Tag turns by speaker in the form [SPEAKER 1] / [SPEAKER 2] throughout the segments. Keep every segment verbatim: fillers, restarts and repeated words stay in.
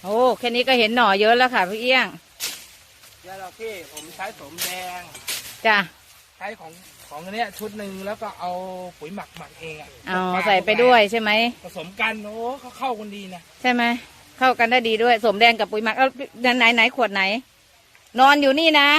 [SPEAKER 1] โอ้แค่นี้ก็เห็นหน่อเยอะแล้วค่ะพี่เอี้ยง
[SPEAKER 2] ยาเราพี่ผมใช้สมแดง
[SPEAKER 1] จ้ะ
[SPEAKER 2] ใช้ของของอันเนี้ยชุดหนึ่งแล้วก็เอาปุ๋ยหมักหมักเองอ่ะ
[SPEAKER 1] อ๋อใส่ไปด้วยใช่ไหม
[SPEAKER 2] ผสมกันโอ้เขาเข้ากันดีนะ
[SPEAKER 1] ใช่ไหมเข้ากันได้ดีด้วยสมแดงกับปุ๋ยหมักเอาไหนไหนขวดไหนนอนอยู่นี่นะ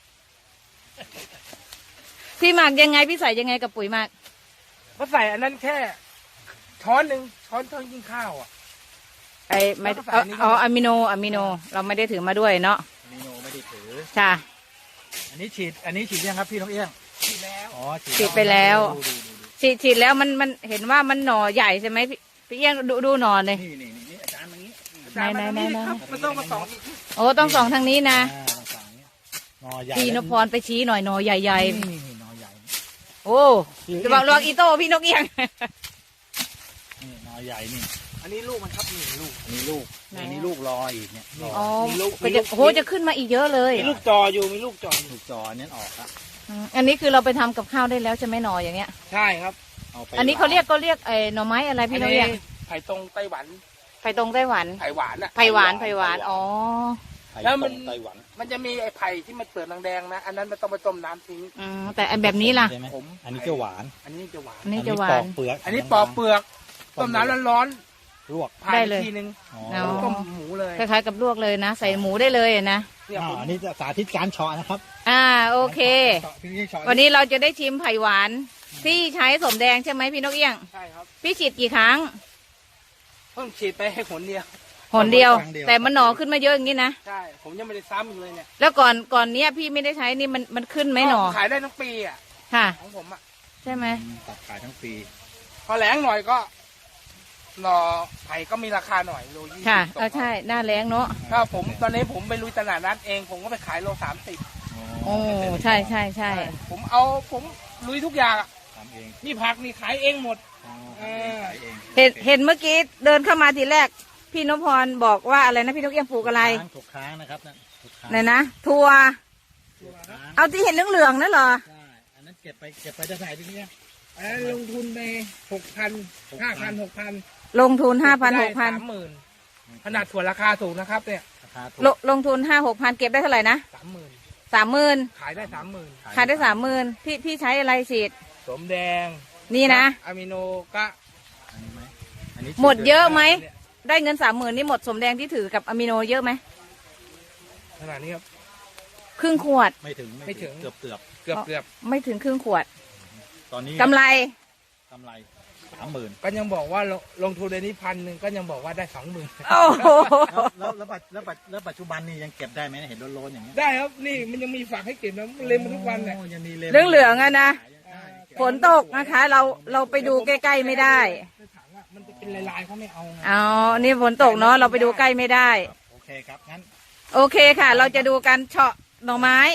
[SPEAKER 1] พี่หมักยังไงพี่ใส่ยังไงกับปุ๋ยหมัก
[SPEAKER 2] ก็ใส่อันนั้นแค่ช้อนหนึ่งช้อนช้อนกินข้าวอ่ะ
[SPEAKER 1] ไอไม่เอาอะมิโนอะมิโนเราไม่ได้ถือมาด้วยเนาะ
[SPEAKER 2] อะมิโนไม่ได้ถือ
[SPEAKER 1] จ้ะ
[SPEAKER 2] อันนี้ฉีดอันนี้ฉีดยังครับพี่น้องเอี้ยงฉีดแล้วอ๋อ
[SPEAKER 1] ฉีดไปแล้วฉีดฉีดแล้วมันมันเห็นว่ามันหน่อใหญ่ใช่ไหมพี่พี่เอี้ยงดูดูหน่อเลย
[SPEAKER 2] นี่นี่นี่อาจารย์มางี้
[SPEAKER 1] ไหนไหนไหนไหน
[SPEAKER 2] มันต้องมาสอง
[SPEAKER 1] โอ้ต้องสองทางนี้นะ
[SPEAKER 2] หน่อใหญ่
[SPEAKER 1] พี่นพพรไปชี้หน่อยหน่อใหญ่
[SPEAKER 2] ๆนี่หน่อใหญ่
[SPEAKER 1] โอ้จะบอกลองอีโต้พี่นกเอี้ยง
[SPEAKER 2] นี่หน่อใหญ่นี่อันนี้ลูกมันครับนี่ลูกอันนี้ลูกอันนี้ลูกรออีกเนี่ย
[SPEAKER 1] อ๋อโหจะขึ้นมาอีกเยอะเลย
[SPEAKER 2] มีลูกจออยู่มีลูกจอลูกจอเนี้ยออกครับ
[SPEAKER 1] อันนี้คือเราไปทำกับข้าวได้แล้วใช่ไหมหน่ออย่างเงี้ย
[SPEAKER 2] ใช่ครับ
[SPEAKER 1] อันนี้เขาเรียกก็เรียกไอ้หน่อไม้อะไรพี่นกเอี้ยง
[SPEAKER 2] ไผ่ตรงไต้หวัน
[SPEAKER 1] ไผ่ตรงไต้หวัน
[SPEAKER 2] ไผ่หวานอะ
[SPEAKER 1] ไผ่หวานไผ่หวานอ๋อ
[SPEAKER 2] แล้วมันไต้หวันมันจะมีไอ้ไผ่ที่มันเปลือกแดงๆนะอันนั้นมันต้องไปต้มน้ำทิ้ง
[SPEAKER 1] อืมแต่อันแบบนี้ล่ะ
[SPEAKER 2] ผมอันนี้จะหวานอันนี้จะหวาน
[SPEAKER 1] อันนี้จะหวาน
[SPEAKER 2] เปลือกอันนี้ปอกเปลือกต้มน้ำร้อนๆลวก
[SPEAKER 1] ได้เลย
[SPEAKER 2] ทีนึงต้มหมูเลย
[SPEAKER 1] คล้ายๆกับลวกเลยนะใส่หมูได้เลยนะ
[SPEAKER 2] อันนี้จะสาธิตการเฉาะนะครับ
[SPEAKER 1] อ่าโอเควันนี้เราจะได้ชิมไผ่หวานที่ใช้สมแดงใช่ไหมพี่นกเอี้ยง
[SPEAKER 2] ใช่ครับ
[SPEAKER 1] พี่ฉีดกี่ครั้ง
[SPEAKER 2] เพิ่งฉีดไปให้หนเดียว
[SPEAKER 1] หนเดียวแต่มันหน่อขึ้นมาเยอะอย่างนี้นะ
[SPEAKER 2] ใช่ผมยังไม่ได้ซ้ำอีกเลยเนี่ย
[SPEAKER 1] แล้วก่อนก่อนเนี้ยพี่ไม่ได้ใช้นี่มันมันขึ้นไหมหน่อ
[SPEAKER 2] ขายได้ทั้งปีอ่ะ
[SPEAKER 1] ค่ะ
[SPEAKER 2] ของผมอ่ะ
[SPEAKER 1] ใช่ไหม
[SPEAKER 2] ตัดขายทั้งปีพอแรงหน่อยก็หน่อไผ่ก็มีราคาหน่อยโลยี่สิบ
[SPEAKER 1] ค่ะเออใช่หน้าแรงเนาะ
[SPEAKER 2] ถ้าผมตอนนี้ผมไปลุยตลาดนัดเองผมก็ไปขายโลสามสิบ
[SPEAKER 1] โอ้ใช่ใช่ใช่
[SPEAKER 2] ผมเอาผมลุยทุกอย่างทำเองนี่ผักนี่ขายเองหมด
[SPEAKER 1] เห็นเห็นเมื่อกี้เดินเข้ามาทีแรกพี่นพพรบอกว่าอะไรนะพี่นกเอี้ยงปลูกอะไร
[SPEAKER 2] ถูกค้างนะครับ
[SPEAKER 1] ไหนนะทัวเอาที่เห็นเหลืองๆนั่นเหรอ
[SPEAKER 2] ใช่อันนั้นเก็บไปเก็บไปจะใส่ที่นี่อันนั้นลงทุนไปหกพันห้าพันหกพัน
[SPEAKER 1] ลงทุนห้าพันหกพัน
[SPEAKER 2] สามหมื่นขนาดถั่วราคาสูงนะครับเนี่ย
[SPEAKER 1] ลงลงทุนห้าหกพันเก็บได้เท่าไหร่นะ
[SPEAKER 2] สามหมื่น
[SPEAKER 1] สามหมื่น
[SPEAKER 2] ขายได้สามหมื่น
[SPEAKER 1] ขายได้สามหมื่นพี่พี่ใช้อะไรฉีด
[SPEAKER 2] สมแดง
[SPEAKER 1] นี่นะ
[SPEAKER 2] อะมิโนก็
[SPEAKER 1] หมดเยอะไหมได้เงินสามหมื่นนี่หมดสมแดงที่ถือกับอะมิโนเยอะไหม
[SPEAKER 2] ขนาดนี้ครับ
[SPEAKER 1] ครึ่งขวด
[SPEAKER 2] ไม่ถึงไม่ถึงเกือบเกือบเกือบเกือบ
[SPEAKER 1] ไม่ถึงครึ่งขวด
[SPEAKER 2] ตอนนี้
[SPEAKER 1] กำไร
[SPEAKER 2] กำไรสามหมื่นก็ยังบอกว่าลงทุนในนี้พันหนึ่งก็ยังบอกว่าได้สองหมื่นแล้วแล้วแล้วแล้วปัจจุบันนี่ยังเก็บได้ไหมเห็นโลนๆอย่างนี้ได้ครับนี่มันยังมีฝากให้เก็บนะเล็มทุกวันเนี่ย
[SPEAKER 1] เรื่องเหลืองอะนะฝนตกนะคะเราเราไปดูใกล้ๆไม่ได้
[SPEAKER 2] มันจะเป็นลายๆเขาไม่เอา
[SPEAKER 1] อ๋อนี่ฝนตกเนาะเราไปดูใกล้ไม่ได้
[SPEAKER 2] โอเคครับงั้น
[SPEAKER 1] โอเคค่ะเราจะดูกันเฉาะหน่อไม้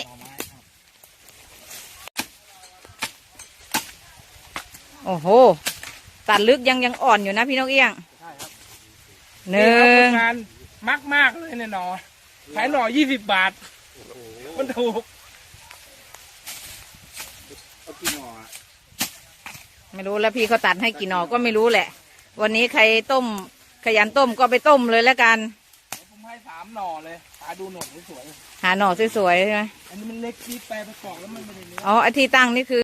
[SPEAKER 1] โอ้โหตัดลึกยังยังอ่อนอยู่นะพี่นกเอี้ยง
[SPEAKER 2] ใช่ครับ
[SPEAKER 1] หนึ่ง
[SPEAKER 2] งานมากมากเลยเนี่ยหน่อขายหน่อยี่สิบบาทมันถูกเอากี่หน่อ
[SPEAKER 1] ไม่รู้แล้วพี่เขาตัดให้กี่หน่อก็ไม่รู้แหละวันนี้ใครต้มขยันต้มก็ไปต้มเลยแล้วกัน
[SPEAKER 2] ผมให้สามหน่อเลยหาดูหน่อสวย
[SPEAKER 1] หาหน่อสวยๆใช่ไหม
[SPEAKER 2] อันนี้มันเล็กที่แปลประกอบแล้วมันไม่ได้เนื้อ
[SPEAKER 1] อ๋อไอที่ตั้งนี่คือ